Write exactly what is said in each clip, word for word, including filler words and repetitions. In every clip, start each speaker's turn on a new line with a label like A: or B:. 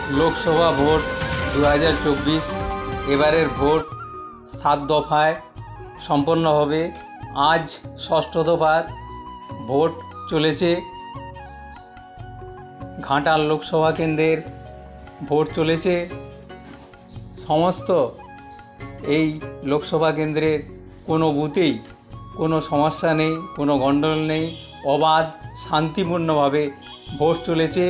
A: Lok Sabha vote দু হাজার চব্বিশ এবারের ভোট সাত দফায় সম্পন্ন হবে। আজ ষষ্ঠ দফার ভোট চলেছে। ঘাটাল লোকসভা কেন্দ্রের ভোট চলেছে। সমস্ত এই লোকসভা কেন্দ্রের কোনো বুথেই কোনো সমস্যা নেই, কোনো গণ্ডগোল নেই, অবাধ শান্তিপূর্ণভাবে ভোট চলেছে।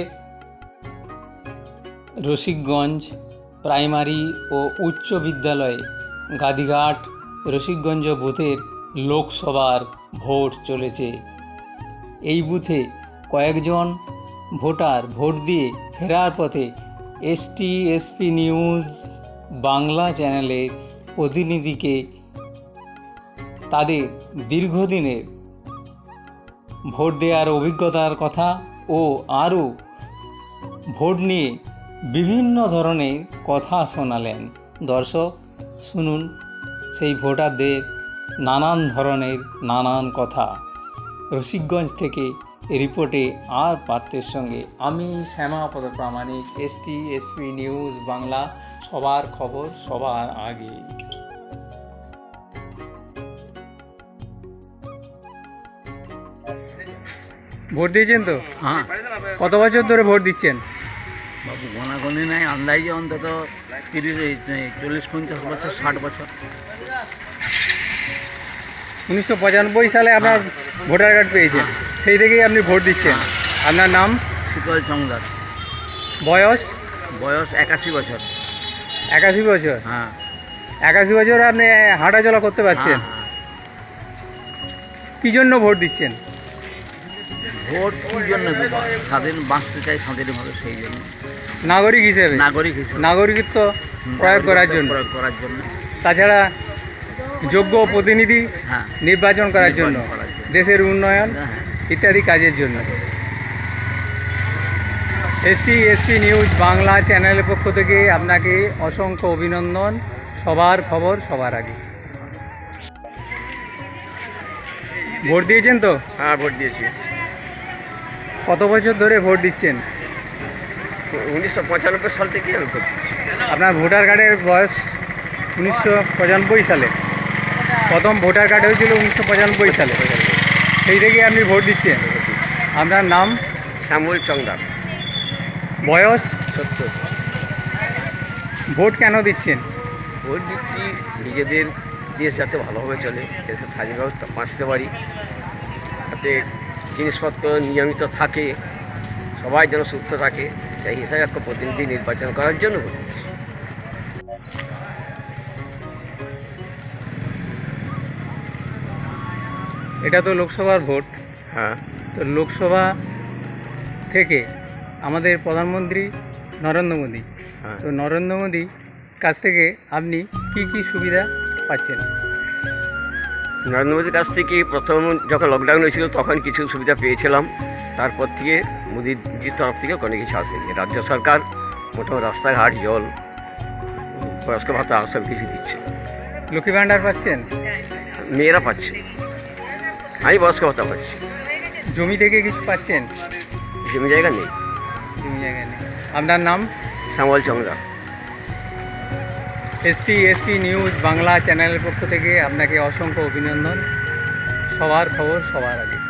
A: রসিকগঞ্জ প্রাইমারি ও উচ্চ বিদ্যালয়ে গাদিঘাট রসিকগঞ্জ বুথের লোকসভার ভোট চলেছে। এই বুথে কয়েকজন ভোটার ভোট দিয়ে ফেরার পথে এসটি এসপি নিউজ বাংলা চ্যানেলের প্রতিনিধিকে তাদের দীর্ঘদিনের ভোট দেওয়ার অভিজ্ঞতার কথা ও আরও ভোট নিয়ে বিভিন্ন ধরনের কথা শোনালেন। দর্শক শুনুন সেই ভোটারদের নানান ধরনের নানান কথা। রসিকগঞ্জ থেকে রিপোর্টে আর পাত্রের সঙ্গে আমি Shyamapada Pramanik, ST SP news Bangla, সবার খবর সবার আগে। ভোট দিয়েছেন তো?
B: হ্যাঁ।
A: কত বছর ধরে ভোট দিচ্ছেন?
B: বাবু গোনাগুনি নাই, আন্দাজে অন্তত তিরিশ চল্লিশ পঞ্চাশ বছর ষাট বছর।
A: উনিশশো পঁচানব্বই সালে আপনার ভোটার কার্ড পেয়েছেন, সেই থেকেই আপনি ভোট দিচ্ছেন। আপনার নাম?
B: শীতল চংদার।
A: বয়স?
B: বয়স একাশি বছর।
A: একাশি বছর?
B: হ্যাঁ।
A: একাশি বছরে আপনি হাঁটাচলা করতে পারছেন?
B: হ্যাঁ।
A: কী জন্য ভোট দিচ্ছেন?
B: ভোট কী জন্য দেবো? স্বাধীন বাঁচতে চাই স্বাধীনভাবে, সেই জন্য।
A: নাগরিক হিসেবে?
B: নাগরিক হিসেবে
A: নাগরিকত্ব প্রয়োগ করার জন্য।
B: প্রয়োগ করার জন্য।
A: তাছাড়া যোগ্য প্রতিনিধি
B: হ্যাঁ।
A: নির্বাচন করার জন্য,
B: নির্বাচন করার জন্য।
A: দেশের উন্নয়ন
B: হ্যাঁ।
A: ইত্যাদি কাজের জন্য। এসটি এসপি নিউজ বাংলা চ্যানেলের পক্ষ থেকে আপনাকে অসংখ্য অভিনন্দন। সবার খবর সবার আগে। ভোট দিয়েছেন তো?
C: হ্যাঁ, ভোট দিয়েছি।
A: কত বছর ধরে ভোট দিচ্ছেন?
C: উনিশশো পঁচানব্বই সাল থেকে আমি ভোট দিচ্ছি।
A: আপনার ভোটার কার্ডের বয়স উনিশশো পঁচানব্বই সালে, প্রথম ভোটার কার্ড হয়েছিল উনিশশো পঁচানব্বই সালে, সেই থেকে আপনি ভোট দিচ্ছেন। আপনার নাম?
C: শ্যামল চংদার।
A: বয়স?
C: সত্তর।
A: ভোট কেন দিচ্ছেন?
C: ভোট দিচ্ছি নিজেদের দেশ যাতে ভালোভাবে চলে, দেশে স্বাধীনভাবে বাঁচতে পারি, যাতে জিনিসপত্র নিয়মিত থাকে, সবাই যেন সুস্থ থাকে, সেই হিসাবে একটা প্রতিনিধি নির্বাচন করার জন্য ভোট দিচ্ছি।
A: এটা তো লোকসভার ভোট।
C: হ্যাঁ।
A: তো লোকসভা থেকে আমাদের প্রধানমন্ত্রী নরেন্দ্র মোদী,
C: হ্যাঁ।
A: তো নরেন্দ্র মোদী কাছ থেকে আপনি কি কি সুবিধা পাচ্ছেন?
C: নরেন্দ্র মোদীর কাছ থেকে প্রথম যখন লকডাউন হয়েছিল তখন কিছু সুবিধা পেয়েছিলাম, তারপর থেকে মোদীজির তরফ থেকে কোনো কিছু আসেনি। রাজ্য সরকার মোটামুটি রাস্তাঘাট, জল, বয়স্ক ভাতা সব কিছু দিচ্ছে।
A: লক্ষ্মী ভাণ্ডার পাচ্ছেন?
C: মেয়েরা পাচ্ছে, আমি বয়স্ক ভাতা পাচ্ছি।
A: জমি থেকে কিছু পাচ্ছেন?
C: জমি জায়গা নেই।
A: জমি জায়গা নেই। আপনার নাম?
C: Shyamal Chongda.
A: ST SP news Bangla চ্যানেলের পক্ষ থেকে আপনাকে অসংখ্য অভিনন্দন। সবার খবর সবার আগে।